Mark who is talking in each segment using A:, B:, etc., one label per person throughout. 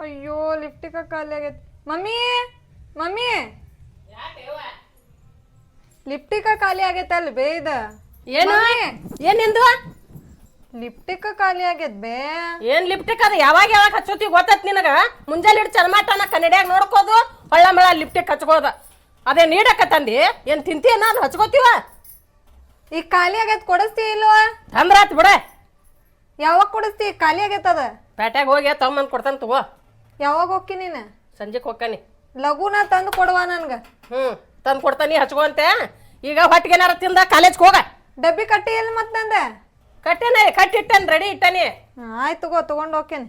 A: ಅಯ್ಯೋ ಲಿಫ್ಟಿಕ ಖಾಲಿ ಆಗೈತಿ. ಮಮ್ಮಿ ಮಮ್ಮಿ ಲಿಫ್ಟಿಕ ಖಾಲಿ ಆಗೈತಲ್ ಬೇ ಇದ.
B: ಏನು ಏನಿಂದು
A: ಲಿಫ್ಟಿಕ ಖಾಲಿ ಆಗೈತ್ ಬೇ.
B: ಏನ್ ಲಿಪ್ಟಿಕ್ ಅದ ಯಾವಾಗ ಹಚ್ಚೋತಿ ಗೊತ್ತತ್ ನಿನಗ? ಮುಂಜಾನೆ ಹಿಡ್ ಚರ್ಮಾಟನ ಕನ್ನಡಿಯಾಗ ನೋಡ್ಕೋದು ಹೊಳ್ಳ ಮಳ ಲಿಪ್ಟಿಕ್ ಹಚ್ಕೋದ. ಅದೇ ನೀಡಕತ್ತಂದಿ ಏನ್ ತಿಂತೀಯ? ನಾನು ಹಚ್ಕೋತೀವ.
A: ಈಗ ಖಾಲಿ ಆಗೈತ್ ಕೊಡಿಸ್ತಿ ಇಲ್ವಾ?
B: ತಂದ್ರಾತ್ ಬಿಡ.
A: ಯಾವಾಗ ಕೊಡಿಸ್ತಿ? ಖಾಲಿ ಆಗೈತದ.
B: ಪೇಟ್ಯಾಗ ಹೋಗಿ ತಗೊಂಬಂದ್ ಕೊಡ್ತಾನ ತಗೋ.
A: ಯಾವಾಗ ಹೋಗಿ ನೀನು?
B: ಸಂಜೆಕ್ ಹೋಗ್ತಾನಿ.
A: ಲಘುನ ತಂದು ಕೊಡುವ ನನ್ಗ.
B: ತಂದ್ ಕೊಡ್ತಾನಿ ಹಚ್ಕೊಂತೆ. ಈಗ ಹೊಟ್ಟಿಗೆ ಏನಾರ ತಿಂದ ಕಾಲೇಜ್ಗೆ ಹೋಗ.
A: ಡಬ್ಬಿ ಕಟ್ಟಿ ಎಲ್ಲಿ ಮತ್ ನಂದ?
B: ಕಟ್ಟಿನ ಕಟ್ಟಿಟ್ಟನ್ ರೆಡಿ ಇಟ್ಟಾನಿ.
A: ಆಯ್ತು ತಗೊಂಡ್ ಹೋಗ್ತೇನೆ.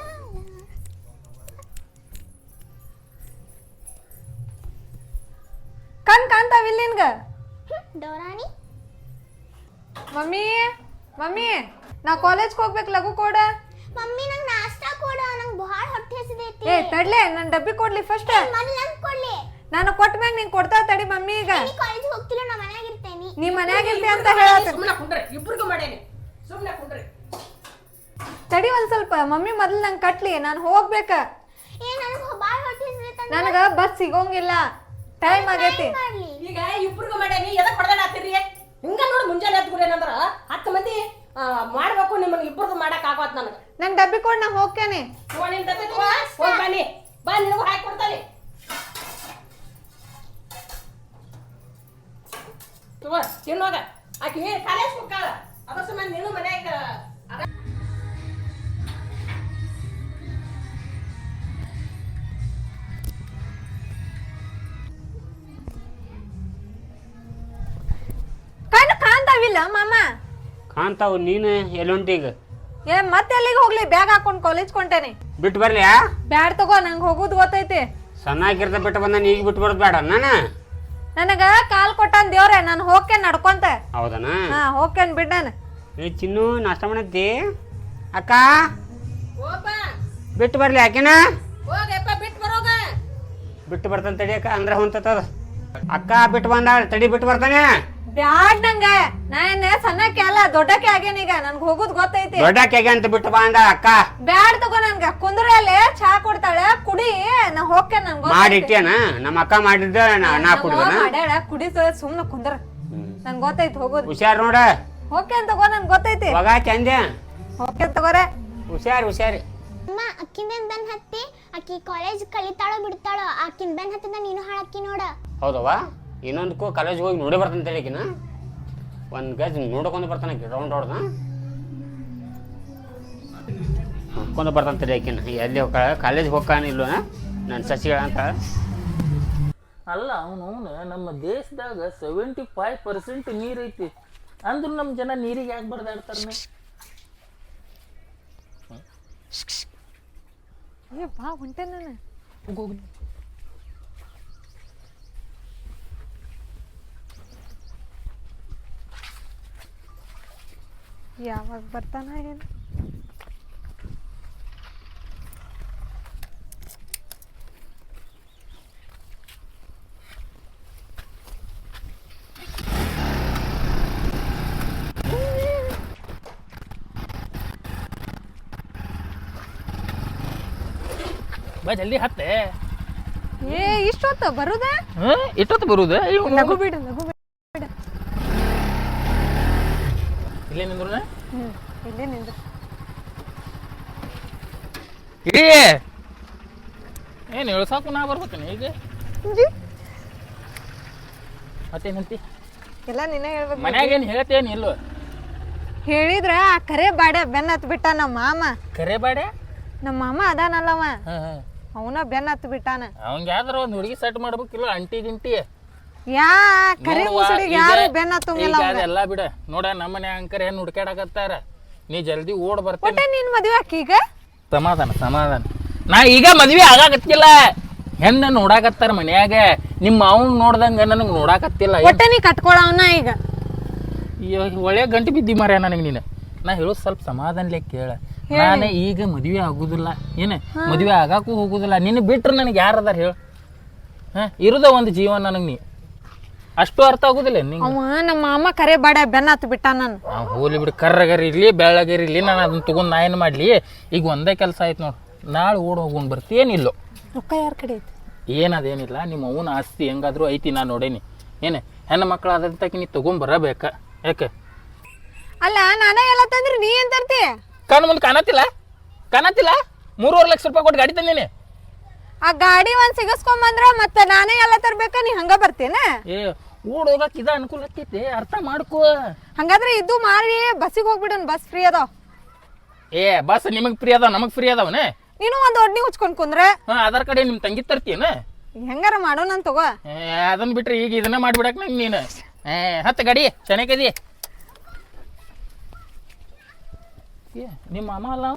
A: ಕಾಣ್ತಾವಿಲ್ಲ ನಿನ್ಗ?
C: ಡೋರಾಣಿ
A: ಮಮ್ಮಿ ಮಮ್ಮಿ ನಾ ಕಾಲೇಜ್ಗೆ ಹೋಗ್ಬೇಕು, ಲಘು ಕೊಡ.
C: ಮಮ್ಮಿ ನಂಗೆ ನಾಷ್ಟಾ ಕೊಡ, ನಂಗೆ ಬಹಳ ಹೊಟ್ಟೆ ಹಸಿದೈತಿ.
A: ಏ ತಡ್ಲೆ, ನನ್ ಡಬ್ಬಿ ಕೊಡ್ಲಿ ಫಸ್ಟ್.
C: ಮೊದಲು ನಂಗೆ ಕೊಡ್ಲಿ.
A: ನಾನು ಕೊಟ್ಟ ಮ್ಯಾಗ ನೀನ್ ಕೊಡ್ತಾ ತಡಿ ಮಮ್ಮಿ. ಈಗ
C: ನೀ ಕಾಲೇಜಿಗೆ ಹೋಗ್ತಿಲ್ಲ, ನಾ ಮನ್ಯಾಗ ಇರ್ತೇನಿ.
A: ನೀ ಮನ್ಯಾಗ ಇರ್ತಿ ಅಂತ ಹೇಳತ್ತ.
B: ಸುಮ್ಮನೆ ಕುಂಡ್ರಿ, ಇಬ್ರಿಗೂ ಮಾಡೇನಿ. ಸುಮ್ಮನೆ ಕುಂಡ್ರಿ.
A: ತಡಿ ಒಂದ್ ಸ್ವಲ್ಪ. ಮಮ್ಮಿ ಮೊದ್ಲು ನಂಗೆ ಕಟ್ಲಿ, ನಾನು ಹೋಗ್ಬೇಕ.
C: ನನಗೆ ಬಹಳ ಹೊಟ್ಟೆ ಹಸಿದೈತಿ.
A: ನನಗ ಬಸ್ ಸಿಗೋಂಗಿಲ್ಲ, ಟೈಮ್ ಆಗೈತಿ.
B: ಈಗ ಇಬ್ರಿಗೂ ಮಾಡೇನಿ. ಎದಕ್ ಹೊಡೆದಾಡ ಆತಿರಿ? ಹಿಂಗ ನೋಡಿ ಮುಂಜಾನೆ ಎದ್ಗುರಿ ಏನಂದ್ರ 10 ಮಂದಿ ಮಾಡ್ಬೇಕು. ನಿಮ್ಮನ್ನ ಇಬ್ಬರದು ಮಾಡಕ್ ಆಗವತ್ ನನಗೆ.
A: ನಂಗೆ ಡಬ್ಬಿ ಕೊಡ್, ನಾ ಹೋಗ್ತೇನೆ.
B: ಹೋಗಿ ಬನ್ನಿ ಬಾ, ನಿನಗೂ ಹಾಕಿ ಕೊಡ್ತಾನೆ. ತಗೋ ತಿನ್ನೋಗ. ಆಕಿ ಕಾಲೇಜ್ ಹೋಗ್ತಾಳ, ಅದ್ರ ಸಂಬಂಧ ನೀನು ಮನ್ಯಾಗ
A: ಕಾಣ್ತಾವಿಲ್ಲ ಮಾಮ?
D: ಕಾಣ್ತಾವು. ನೀನು ಎಲ್ಲೊಂಟೀಗ?
A: ಏ ಮತ್ತೆ ಎಲ್ಲಿಗೆ ಹೋಗ್ಲಿ? ಬ್ಯಾಗ್ ಹಾಕೊಂಡ್ ಕಾಲೇಜ್ ಕೊಂಟೇನಿ.
D: ಬಿಟ್ಟು ಬರ್ಲಿಯಾ?
A: ಬ್ಯಾಡ್ ತಗೋ, ನಂಗೆ ಹೋಗುದು ಗೊತ್ತೈತಿ.
D: ಸಣ್ಣಾಗಿರ್ತ ಬಿಟ್ಟು ಬಂದ ಈಗ ಬಿಟ್ಟು ಬರೋದು ಬೇಡ ನಾನು.
A: ನನಗ ಕಾಲ್ ಕೊಟ್ಟಾನ ದೇವ್ರೆ, ನಾನು ಹೋಗ್ತೇನೆ ನಡ್ಕೊಂತ.
D: ಹೌದನಾ?
A: ಹಾ ಹೋಗ್ತೇನೆ ಬಿಡ್ಡಾನ.
D: ಏ ಚಿನ್ನು, ನಾಷ್ಟ ಮಾಡತ್ತಿ? ಅಕ್ಕ
B: ಹೋಗ್ಬ.
D: ಬಿಟ್ಟು ಬರ್ಲಿ ಆಕಿನ?
B: ಹೋಗಪ್ಪ ಬಿಟ್ಟು ಬರೋಗ.
D: ಬಿಟ್ಟು ಬರ್ತಾನೆ ತಡಿ ಅಕ್ಕ, ಅಂದ್ರೆ ಹೊಂತದ. ಅಕ್ಕ ಬಿಟ್ಟು ಬಂದಾಳ, ತಡಿ ಬಿಟ್ಟು ಬರ್ತಾನೆ.
A: ಬ್ಯಾಡ್ ನಂಗ. ನಾ ಏನೇ ಸಣ್ಣಕ್ಕೆ ಅಲ್ಲ, ದೊಡ್ಡಕ್ಕೆ ಆಗೇನ. ಈಗ ನನ್ಗೆ ಹೋಗುದ್ ಗೊತ್ತೈತಿ.
D: ದೊಡ್ಡಕ್ಕೆ ಅಂತ ಬಿಟ್ಟು ಬಂದಾಳ ಅಕ್ಕ.
A: ಬ್ಯಾಡ್ ತಗೋ, ನನ್ಗ ಕುಂದ್ರಲ್ಲಿ ಚಾ ಕೊಡ್ತಾಳೆ, ಕುಡಿ. ನಾ ಹೋಗ್ತೇನೆ. ನನ್ಗೆ
D: ಮಾಡಿಟ್ಟೇನ? ನಮ್ಮ ಅಕ್ಕ ಮಾಡಿದ್ದ ನಾ ಕುಡಿದನ?
A: ಮಾಡ್ಯಾಳ, ಕುಡಿ ಸುಮ್ನ ಕುಂದ್ರ. ನನ್ ಗೊತ್ತೈತಿ ಹೋಗೋದು.
D: ಹುಷಾರ್ ನೋಡ.
A: ಹೋಗ್ತೇನೆ ತಗೋ, ನನ್ ಗೊತ್ತೈತಿ.
D: ಹೋಗ ಚಂದೆ.
A: ಹೋಗ್ತೇನೆ ತಗೋರೆ.
D: ಹುಷಾರಿ.
C: ಅಮ್ಮ ಅಕ್ಕಿಂದೇನ್ ಬೆನ್ ಹತ್ತಿ? ಅಕ್ಕಿ ಕಾಲೇಜ್ ಕಲಿತಾಳೋ ಬಿಡ್ತಾಳೋ? ಅಕ್ಕಿನ ಬೆನ್ ಹತ್ತಿದ ನೀನು ಹಾಳಕ್ಕಿ ನೋಡ.
D: ಹೌದವ್ವ. ಇನ್ನೊಂದಕ್ಕೂ ಕಾಲೇಜ್ ಹೋಗಿ ನೋಡಿ ಬರ್ತಾನೆ ತಳಿಕಿನ. ಒಂದು ಗಜ್ ನೋಡ್ಕೊಂಡು ಬರ್ತಾನೆ ರೌಂಡ್ ಹೊಡ್ದ ನೋಡ್ಕೊಂಡು ಬರ್ತಾನೆ ತಳಿಕಿನ. ಎಲ್ಲಿ ಕಾಲೇಜ್ ಹೋಗ್ಕಾನ ಇಲ್ವ ನನ್ನ ಸಸಿಗಳ ಅಂತ.
E: ಅಲ್ಲ ಅವನು ನಮ್ಮ ದೇಶದಾಗ 75% ನೀರು ಐತಿ ಅಂದ್ರೂ ನಮ್ಮ ಜನ ನೀರಿಗೆ ಯಾಕೆ ಬಡ್ದಾಡ್ತಾರ?
A: ಬಾ ಹೊಂಟೆ ನಾನು. ಯಾವಾಗ ಬರ್ತಾನ ಏನು?
E: ಬಾ ಜಲ್ದಿ ಹತ್ತೆ.
A: ಏ ಇಷ್ಟೊತ್ತ ಬರುದ?
E: ಎಷ್ಟೊತ್ತು ಬರುದ?
A: ಲಘು ಬಿಡು, ಲಘು ಬಿಡು.
E: ಇಲ್ಲೇ ನಿಂದ್ರು
A: ಇಲ್ಲೇ ನಿಂದ್ರು.
E: ಏನು ಇಳ್ಸಾಕು ನಾ ಬರ್ಬೇಕೇನೆ ಈಗ? ಮತ್ತೇನಂತಿ?
A: ಎಲ್ಲ ನಿನ್ನ ಹೇಳ್ಬೇಕು.
E: ಮನ್ಯಾಗ ಏನು ಹೇಳ್ತೇನು ಇಲ್ವ?
A: ಹೇಳಿದ್ರ ಆ ಕರೆ ಬಾಡೆ ಬೆನ್ನ ಹತ್ ಬಿಟ್ಟ ನಮ್ಮ ಮಾಮ.
E: ಕರೆ ಬಾಡೆ?
A: ನಮ್ಮ ಮಾಮ ಅದಾನಲ್ಲವ, ಅವನ ಬೆನ್ನ ಹತ್ ಬಿಟ್ಟಾನ.
E: ಅವಂಗ ಯಾವ್ದಾರ ಒಂದು ಹುಡುಗಿ ಸೆಟ್ ಮಾಡ್ಬೇಕಿಲ್ಲ, ಅಂಟಿ ಗಿಂಟಿ.
A: ಯಾ ಕರೆ ಮುಸುಡಿಗೆ ಯಾರು ಬೆನ್ನ ಹತ್ತಂಗಿಲ್ಲ.
E: ಎಲ್ಲ ಬಿಡ ನೋಡ, ನಮ್ಮನೆ ಅಂಕರ್ ಹೆಣ್ಣು ಹುಡ್ಕ್ಯಾಡಕತ್ತಾರ. ನೀ ಜಲ್ದಿ ಓಡ್ ಬರ್ತೇನೆ.
A: ಒಟ್ಟ ನೀನ್ ಮದ್ವೆ ಆಕೀಗ?
E: ಸಮಾಧಾನ. ನಾ ಈಗ ಮದ್ವೆ ಆಗಾಕತ್ತಿಲ್ಲ, ಹೆಣ್ಣ ನೋಡಾಕತ್ತಾರ ಮನ್ಯಾಗ. ನಿಮ್ಮ ಅವ್ನ ನೋಡ್ದಂಗ ನನಗೆ ನೋಡಾಕತ್ತಿಲ್ಲ.
A: ಒಟ್ಟ ನೀ ಕಟ್ಕೊಳವನ ಈಗ?
E: ಒಳ್ಳೆ ಗಂಟು ಬಿದ್ದಿ ಮಾರ್ಯ ನನಗೆ ನೀನು. ನಾ ಹೇಳೋದು ಸ್ವಲ್ಪ ಸಮಾಧಾನಲೆ ಕೇಳ. ನಾನು ಈಗ ಮದ್ವೆ ಆಗುದಿಲ್ಲ, ಏನ ಮದ್ವೆ ಆಗಾಕು ಹೋಗುದಿಲ್ಲ. ನಿನ್ನ ಬಿಟ್ರೆ ನನಗೆ ಯಾರದಾರ ಹೇಳ? ಇರುದ ಒಂದು ಜೀವನ ನನಗೆ. ನೀ ಅಷ್ಟು ಅರ್ಥ ಆಗುದಿಲ್ಲ ನಿಂಗೆ?
A: ಅವ ನಮ್ಮ ಮಾಮ ಕರೆ ಬಾಡ ಬೆನ್ನ ಹತ್ ಬಿಟ್ಟ. ನಾನು
E: ಹೋಲಿ ಬಿಡು, ಕರ್ರಗರಿ ಇರ್ಲಿ ಬೆಳ್ಳಗರಿ ಇರ್ಲಿ, ನಾನು ಅದನ್ನ ತಗೊಂಡ್ ನಾ ಏನು ಮಾಡ್ಲಿ? ಈಗ ಒಂದೇ ಕೆಲಸ ಆಯ್ತು ನೋಡು, ನಾಳೆ ಓಡ್ ಹೋಗೋನ್ ಬರ್ತೀನಿಲ್ಲೋ
A: ರೊಕ್ಕ ಯಾರ ಕಡೆ ಐತಿ?
E: ಏನದೇನಿಲ್ಲ ನಿಮ್ಮ ಅವನ ಆಸ್ತಿ ಹೆಂಗಾದ್ರೂ ಐತಿ ನಾನು ನೋಡೇನಿ ಏನು ಹೆಣ್ಣು ಮಕ್ಕಳಾದಂತಕಿ ನೀ ತಗೊಂಬರಬೇಕ ಯಾಕೆ
A: ಅಲ್ಲ ನಾನೇ ಎಲ್ಲ ತಂದ್ರಿ ನೀ ಏನ್ ತರ್ತಿ?
E: ಕಣ್ಣು ಮುಂದೆ ಕಾಣತ್ತಿಲ್ಲ 3.5 ಲಕ್ಷ ರೂಪಾಯಿ ಕೊಟ್ಟು ಗಾಡಿ ತಂದೀನಿ.
A: ಆ ಗಾಡಿ ಒಂದ್ ಸಿಗಸ್ಕೊಂಬಂದ್ರ ಮತ್ತ ನಾನೇ ಎಲ್ಲ ತರ್ಬೇಕ, ನೀ ಹಂಗ ಬರ್ತೀನ?
E: ಏ ಓಡ್ ಹೋಗಕ್ ಇದ ಅನುಕೂಲ ಆಗ್ತೈತಿ, ಅರ್ಥ ಮಾಡ್ಕೋ.
A: ಹಂಗಾದ್ರೆ ಇದು ಮಾರಿ ಬಸ್ಸಿಗೆ ಹೋಗ್ಬಿಡೋನ್, ಬಸ್ ಫ್ರೀ ಅದಾವ.
E: ಏ ಬಸ್ ನಿಮಗ್ ಫ್ರೀ ಅದಾವ ನಮಗ್ ಫ್ರೀ ಅದಾವನ?
A: ನೀನು ಒಂದ್ ಒಡ್ನಿ ಉಚ್ಕೊಂಡ್ ಕುಂದ್ರ
E: ಅದರ ಕಡೆ ನಿಮ್ ತಂಗಿ ತರ್ತೀಯನ?
A: ಹೆಂಗಾರ ಮಾಡೋಣ ತಗೋ.
E: ಅದನ್ನ ಬಿಟ್ರೆ ಈಗ ಇದನ್ನ ಮಾಡ್ಬಿಡಕ್ ನಂಗೆ ನೀನು. ಹತ್ತ ಗಾಡಿ ಚೆನ್ನಾಗದಿ. ನಿಮ್ಮ ಮಾಮ ಅಲ್ಲ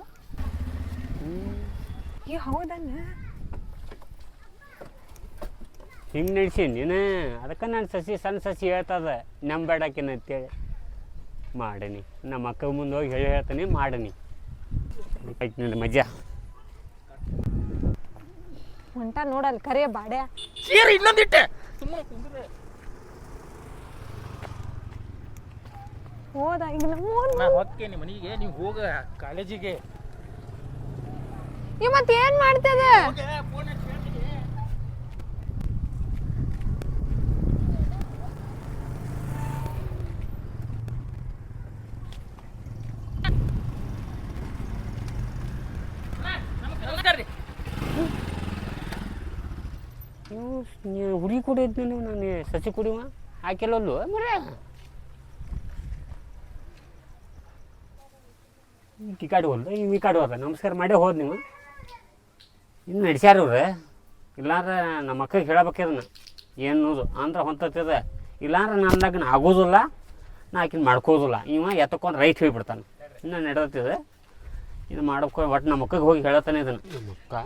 A: ಹೌದನ್ನ
D: ಹಿಂಗೆ ನಡೆಸಿ ನೀನು ಅದಕ್ಕೆ ನಾನು ಸಣ್ಣ ಸಸಿ ಹೇಳ್ತದ ನಂಬೇಡಾಕಿನ ಅಂತೇಳಿ ಮಾಡನಿ. ನಮ್ಮ ಅಕ್ಕ ಮುಂದೆ ಹೋಗಿ ಹೇಳ್ತಾನೆ ಮಾಡನಿ. ನಿಂದ ಮಜಾ
A: ಹೊಂಟ ನೋಡಲ್ ಕರಿಯ ಬಾಡ್ಯ
E: ಸೇರಿ ಇನ್ನೊಂದಿಟ್ಟೆ
A: ಹೋದ ಈಗ
E: ನಾ ಹೊಕ್ಕೇನಿ ಮನಿಗೆ, ನೀವು ಹೋಗ ಕಾಲೇಜಿಗೆ.
A: ಮತ್ ಏನ್ ಮಾಡ್ತದ?
D: ಹುಡುಗಿ ಕುಡಿದ್ನಿ ನಾನು ಸಸಿ ಕುಡಿವ ಹಾಕಿಲ್ಲಲ್ಲು ಮರ ಈ ಕಾಡು ಹೋದ ಈ ಕಾಡು ಹೋದ. ನಮಸ್ಕಾರ ಮಾಡೇ ಹೋದ್ ನೀವು ಇನ್ನು ನಡ್ಸ್ಯಾರ ಇವ್ರು. ಇಲ್ಲಾಂದ್ರೆ ನಮ್ಮ ಅಕ್ಕಗೆ ಹೇಳಬೇಕಿದನ್ನ ಏನದು ಅಂದ್ರೆ ಹೊಂತದ. ಇಲ್ಲಾಂದ್ರೆ ನನ್ನ ಲಗ್ನ ಆಗೋದಿಲ್ಲ, ನಾ ಆಕಿನ ಮಾಡ್ಕೋದಿಲ್ಲ. ಇವ ಎತ್ತಕೊಂಡು ರೈಟ್ ಹೋಗ್ಬಿಡ್ತಾನೆ. ಇನ್ನು ನಡೆದತ್ತಿದೆ ಇದು ಮಾಡ್ಕೊ. ಒಟ್ಟು ನಮ್ಮ ಅಕ್ಕಗೆ ಹೋಗಿ ಹೇಳತ್ತಾನೆ ಇದನ್ನು. ನಮ್ಮ ಅಕ್ಕ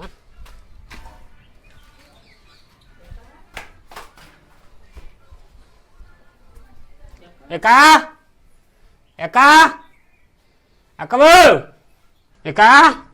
D: ಏಕಾ ಏಕಾ ಅಕ್ಕಬು ಏಕಾ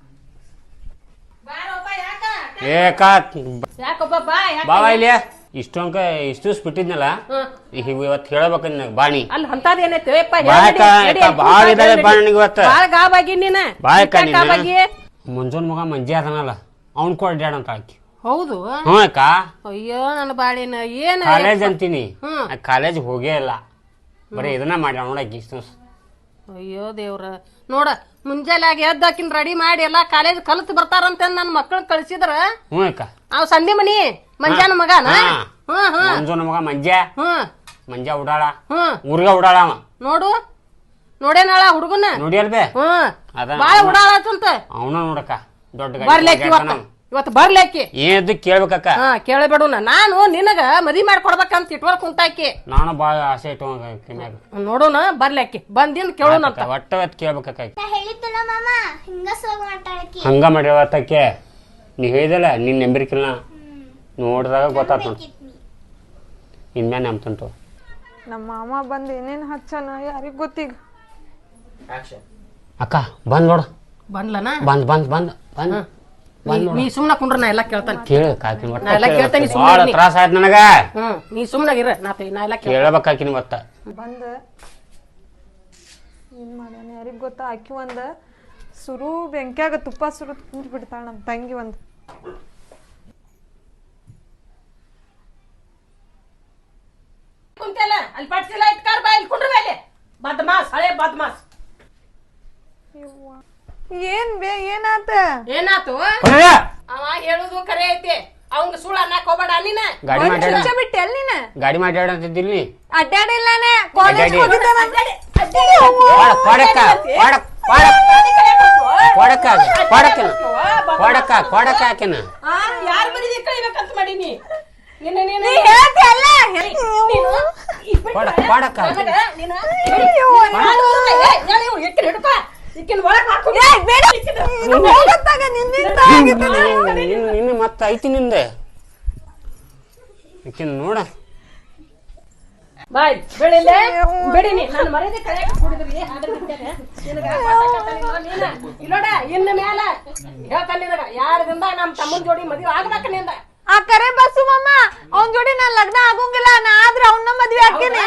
D: ಏಕಾ ಬಾವ ಇಲ್ಲಿ ಇಷ್ಟು ಬಿಟ್ಟಿದ್ನಲ್ಲ ಈಗ ಇವತ್ತು ಹೇಳ್ಬೇಕಂದ್ ನನಗೆ ಬಾಣಿ
B: ಅಲ್ಲಿ ಅಂತದ್ ಏನೈತಿ
D: ಭಾಳ ಇದಾವೆ ಬಾಣಿಗೆ ಇವತ್ತು.
B: ಗಾಬಾಗಿ ನೀನ
D: ಮುಂಜಾನ್ ಮಗ ಮಂಜೆ ಅದನಲ್ಲ ಅವ್ನ್ ಕೊಡ್ಯಾಡ ಅಂತ ಹಾಕಿ.
B: ಹೌದು?
D: ಹ್ಞೂ ಅಕ್ಕ.
B: ಅಯ್ಯೋ ನನ್ನ ಬಾಳಿನ ಏನ್
D: ಕಾಲೇಜ್ ಅಂತೀನಿ, ಕಾಲೇಜ್ ಹೋಗೇ ಇಲ್ಲ, ಬರೀ ಇದನ್ನ ಮಾಡ್ಯಾಳ ನೋಡಕ್ಕೆ ಇಷ್ಟು.
B: ಅಯ್ಯೋ ದೇವ್ರ ನೋಡ ಮುಂಜಾನೆ ಎದ್ದಾಕಿನ್ ರೆಡಿ ಮಾಡಿ ಎಲ್ಲಾ ಕಾಲೇಜ್ ಕಲ್ತ್ ಬರ್ತಾರಂತ ನನ್ನ ಮಕ್ಕಳನ್ನ ಕಳ್ಸಿದ್ರ.
D: ಹ್ಞೂ ಅಕ್ಕ.
B: ಅವ್ ಸಂಧಿ ಮನಿ ಮಂಜಾನ ಮಗನ
D: ಮುಂಜಾನ ಮಗ ಮಂಜ ಉಡಾಳ ಊರ್ಗ ಉಡಾಳ ಅವ.
B: ನೋಡು ನೋಡೇನಾಳ ಹುಡುಗನ
D: ನೋಡಿಯಲ್ ಬೇ
B: ಬಾಳ ಉಡಾಳಂತ
D: ಅವನ ನೋಡಕ್ಕ ದೊಡ್ಡ
B: ಬರ್ಲೇಕಿ ಇವತ್ತು ಬರ್ಲೇಕಿ
D: ಏನ್ ಕೇಳ್ಬೇಕಕ್ಕ.
B: ಕೇಳಬೇಡ ನಾನು ನಿನಗ ಮದ್ವಿ ಮಾಡ್ಕೊಡ್ಬೇಕಂತ ಇಟ್ವರ್ ಕುಂತಾಕಿ.
D: ನಾನು ಬಾಳ ಆಸೆ ಇಟ್ಟ
B: ನೋಡೋಣ ಬರ್ಲೇಕಿ ಬಂದಿನ್ ಕೇಳೋಣ ಅಂತ
D: ಒಟ್ಟ ಕೇಳ್ಬೇಕಕ್ಕ.
C: ಹೇಳಿದ್ದಲ್ಲ ಮಾಮ ಹಿಂಗ ಸೋಗ ಮಾತಾಡಕಿ
D: ಹಂಗ ಮಾಡಿರತಕ್ಕೆ ನೀ ಹೇಳಿದಲ್ಲ ನಿನ್ ನಂಬಿರ್ಕಿಲ್ಲ ನೋಡಿದಾಗ ಗೊತ್ತಾತ. ಇನ್ಮ್ಯಾನ ನಂಬ್ತಂತು.
A: ನಮ್ಮ ಮಾಮ ಬಂದ್ ಏನೇನ್ ಹಚ್ಚನ ಯಾರಿಗ್ ಗೊತ್ತೀಗ.
D: ಅಕ್ಕ ಬಂದ್ ನೋಡ.
B: ಬಂದ್ಲನ?
D: ಬಂದ್ ಬಂದ್ ಬಂದ್ ಬಂದ್
B: ನೀ ಸುಮ್ನ ಕುಂಡ್ರ ನಾ ಎಲ್ಲಾ ಕೇಳ್ತಾನೆ.
D: ನಾ ಎಲ್ಲ ಕೇಳ್ತಾನೆ. ಭಾಳ ತ್ರಾಸ ಆಯ್ತು ನನಗ.
B: ನೀ ಸುಮ್ನಾಗಿರ ನಾ ಎಲ್ಲ
D: ಕೇಳಬೇಕಾಕಿನಿ ಮತ್ತ.
A: ಬಂದ ಏನ್ ಮಾಡ್ಯಾನ ಯಾರಿಗ್ ಗೊತ್ತ. ಆಕಿ ಒಂದ ಸುರು ಬೆಂಕ್ಯಾಗ ತುಪ್ಪ ಸುರು ತಿಂದ್ ಬಿಡ್ತಾಳ ನಮ್ ತಂಗಿ ಒಂದ್.
B: ಕುಂತಲ್ಲ ಅಲ್ಲಿ ಪಡ್ಸಿಲ್ಲ ಇಟ್ಕಾರ್ ಬಾ ಇಲ್ಲಿ ಕುಂಡ್ರ ಮೇಲೆ ಬದ್ಮಾಸ್ ಹಳೆ ಬದ್ಮಾಸ್.
A: ಏನ್ ಬೇ ಏನಾತ?
B: ಏನಾತು? ಅವ ಹೇಳುದು ಖರೆ ಐತಿ. ಅವಂಗ ಸುಳ್ಳು ಅನ್ನಕ್ ಹೋಗ್ಬೇಡ ನೀನ.
A: ಬಿಟ್ಟೆ ಅಲ್ಲಿ ನೀನ
D: ಗಾಡಿ ಮಾತಾಡಂತಿದ್ದಿಲ್ಲಿ
A: ಅಡ್ಡಾಡಿಲ್ಲಾನೆ ಕಾಲೇಜ್
B: ಯಾರ ಬರೀ ಕಳಿಬೇಕಂತ ಮಾಡೀನಿ.
D: ಮತ್ತ ಐತಿ ನಿಂದ ನೋಡ
B: ಬಾಯ್ ಬೆಳಿಲೆ ಬೆಡಿನಿ ನಾನು ಮರ್ಯಾದೆ ಕಳೆಯಕ್ಕೆ ಕೂಡಿದ್ರಿ ಇಲ್ಲೋಡ ಇನ್ನು ಮ್ಯಾಲ ಹೇಳ್ತಾನೆ ನಿನಗ ಯಾರದಿಂದ ನಮ್ಮ ತಮ್ಮನ ಜೋಡಿ ಮದುವೆ ಆಗ್ಬೇಕ ನಿಂದ.
A: ಆ ಕರೆ ಬಸ್ಸು ಮಮ್ಮ ಅವನ್ ಜೋಡಿ ನಾನ್ ಲಗ್ನ ಆಗೋಂಗಿಲ್ಲ, ನಾ ಆದ್ರೆ ಅವನ್ನ ಮದ್ವೆ ಹಾಕೇನೆ.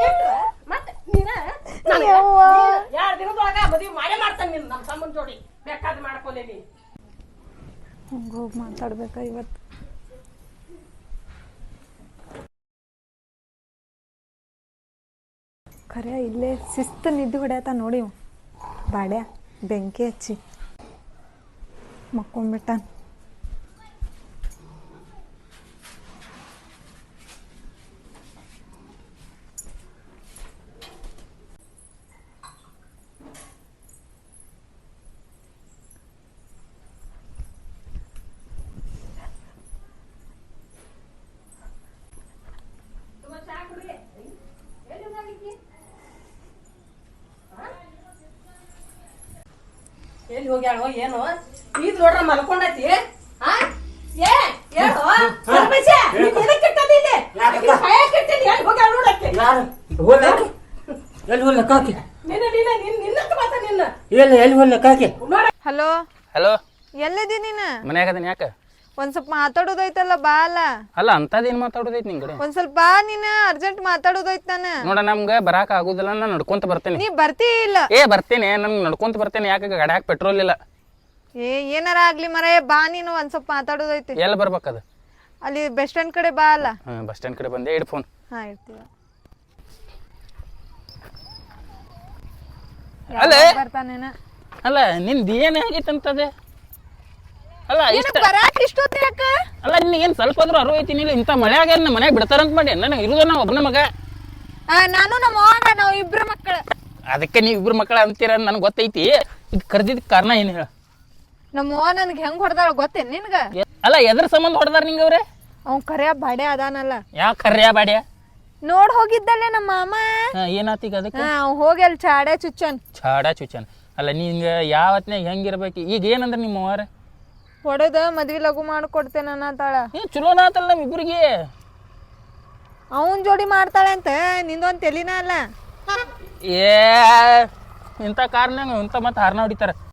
B: ಮತ್ತೆ ನೀನ 2 ದಿನದೊಳಗ ಮದುವೆ ಮಾಡೇ ಮಾಡ್ತಾನೆ ನಿನ್ ನಮ್ಮ ತಮ್ಮನ ಜೋಡಿ. ಬೇಕಾದ್ ಮಾಡ್ಕೊಲಿ ನೀ.
A: ಹಂಗೆ ಹೋಗಿ ಮಾತಾಡ್ಬೇಕಾ ಇವತ್ತು? ಖರೆ ಇಲ್ಲೇ ಶಿಸ್ತು ನಿದ್ದೆ ಹೊಡ್ಯಾತ ನೋಡಿ ಇವ. ಬಾಡ್ಯ ಬೆಂಕಿ ಹಚ್ಚಿ ಮಕ್ಕೊಂಬಿಟ್ಟಾನ.
B: ಎಲ್ಲಿ ಹೋಗ್ಯಾಳೋ ಏನು ಈಗ ನೋಡ್ರ ಮಲ್ಕೊಂಡೈತಿ. ಆ ಏ ಹೇಳು ಸರ್ಪಂಚ, ನೀನ್ ಎದಕ್ ಇಟ್ಟದಿ ಇಲ್ಲಿ? ಆಕಿನ್ ಕೈಯಾಗ್ ಇಟ್ಟಿದಿ, ಎಲ್ಲಿ ಹೋಗ್ಯಾಳ ನೋಡಕ್ಕೆ?
D: ಎಲ್ಲಿ ಹೋಗ್ಲ ಕಾಕಿ?
B: ನಿನ್ನಂತ ಮಾತ ನಿನ್ನ
D: ಎಲ್ಲಿ ಹೋಗ್ಲ ಕಾಕಿ?
A: ಹಲೋ,
E: ಹಲೋ,
A: ಎಲ್ಲಿದಿ ನೀನು?
E: ಮನ್ಯಾಗ ಅದನ್ನ ಯಾಕೆ?
A: ಒಂದ್ ಸ್ವಲ್ಪ ಮಾತಾಡೋದೈತಲ್ಲ, ಬಾ ಅಲ್ಲ.
E: ಅಲ್ಲ ಅಂತದೇನು ಮಾತಾಡೋದೈತಿ ನಿನ್ ಕಡೆ?
A: ಒಂದ್ ಸ್ವಲ್ಪ ಬಾ, ನೀನ ಅರ್ಜೆಂಟ್ ಮಾತಾಡೋದೈತ್ ನಾನು.
E: ನೋಡ ನಮ್ಗೆ ಬರಾಕ ಆಗುದಿಲ್ಲ, ನಾನು ನಡ್ಕೊಂತ ಬರ್ತೇನೆ.
A: ನೀ ಬರ್ತೀ ಇಲ್ಲ?
E: ಬರ್ತೇನೆ, ನನ್ ನಡ್ಕೊಂತ ಬರ್ತೇನೆ. ಯಾಕೆ ಗಾಡ್ಯಾಗ ಪೆಟ್ರೋಲ್ ಇಲ್ಲ.
A: ಏನಾರ ಆಗ್ಲಿ ಮರ, ಬಾ ನೀನು, ಒಂದ್ ಸ್ವಲ್ಪ ಮಾತಾಡೋದೈತಿ.
E: ಎಲ್ಲಿ ಬರ್ಬೇಕದ?
A: ಅಲ್ಲಿ ಬಸ್ ಸ್ಟ್ಯಾಂಡ್ ಕಡೆ ಬಾ ಅಲ್ಲ.
E: ಬಸ್ ಸ್ಟ್ಯಾಂಡ್ ಕಡೆ ಬಂದೆ, ಇಡ್ ಫೋನ್.
A: ಹಾ, ಇರ್ತೀವ.
E: ಅಲ್ಲ
A: ಬರ್ತಾನೇನ?
E: ಅಲ್ಲ ನಿಂದ ಏನ್ ಆಗೈತಂತದೆ? ಅಲ್ಲ ಇಷ್ಟ
A: ಬರಾಕ್ ಇಷ್ಟೊತ್ತ ಯಾಕ?
E: ಅಲ್ಲ ನಿನಗೇನ್ ಸ್ವಲ್ಪ ಆದ್ರೂ ಅರಿವು ಐತಿ? ನೀನು ಇಂಥ ಮಳ್ಯಾಗ ನಮ್ಮ ಮನ್ಯಾಗ ಬಿಡ್ತಾರಂತ ಮಾಡಿ ನನಗೆ ಇರುದ ನಾ ಒಬ್ಬನ ಮಗ.
A: ನಾನು ನಮ್ಮ ಅವ್ವಾಗ ನಾವು ಇಬ್ರು ಮಕ್ಕಳು.
E: ಅದಕ್ಕೆ ನೀವು ಇಬ್ರು ಮಕ್ಕಳ ಅಂತೀರ ನನಗೆ ಗೊತ್ತೈತಿ. ಇದು ಕರ್ದಿದ್ದ ಕಾರಣ ಏನು ಹೇಳ?
A: ನಮ್ಮ ಅವ್ವ ನನ್ಗೆ ಹೆಂಗ್ ಹೊಡೆದಾಳ ಗೊತ್ತೇನ್ ನಿನ್ಗ?
E: ಅಲ್ಲ ಎದ್ರ ಸಂಬಂಧ ಹೊಡೆದಾರ ನಿಂಗೆ ಅವ್ರೆ?
A: ಅವ್ನ್ ಕರ್ಯ ಬಾಡೆ ಅದಾನಲ್ಲ.
E: ಯಾವ ಕರ್ಯ ಬಾಡ್ಯ?
A: ನೋಡ್ ಹೋಗಿದ್ದಲ್ಲೇ ನಮ್ಮ ಮಾಮ.
E: ಏನಾತೀಗ ಅದಕ್ಕೆ?
A: ಅವ್ನ್ ಹೋಗಿ ಅಲ್ಲಿ ಚಾಡೆ ಚುಚ್ಚನ್.
E: ಚಾಡ ಚುಚ್ಚನ್. ಅಲ್ಲ ನಿಂಗೆ ಯಾವತ್ನಾಗ ಹೆಂಗಿರ್ಬೇಕು? ಈಗ ಏನಂದ್ರೆ ನಿಮ್ಮ ಅವ್ರ
A: ಹೊಡೆದ ಮದ್ವಿ ಲಘು ಮಾಡ್ಕೊಡ್ತೇನ ಅನ್ನತಾಳ.
E: ಚಲೋನ ಆತಲ್ಲ ನಮ್ಮ ಇಬ್ಬರಿಗೆ.
A: ಅವನ್ ಜೋಡಿ ಮಾಡ್ತಾಳೆ ಅಂತ ನಿಂದೊಂದ್ ತೆಲಿನ ಅಲ್ಲ.
E: ಇಂಥ ಕಾರ್ನಾಗ ಇಂಥ ಮತ್ತೆ ಹಾರ್ನ ಹೊಡಿತಾರ.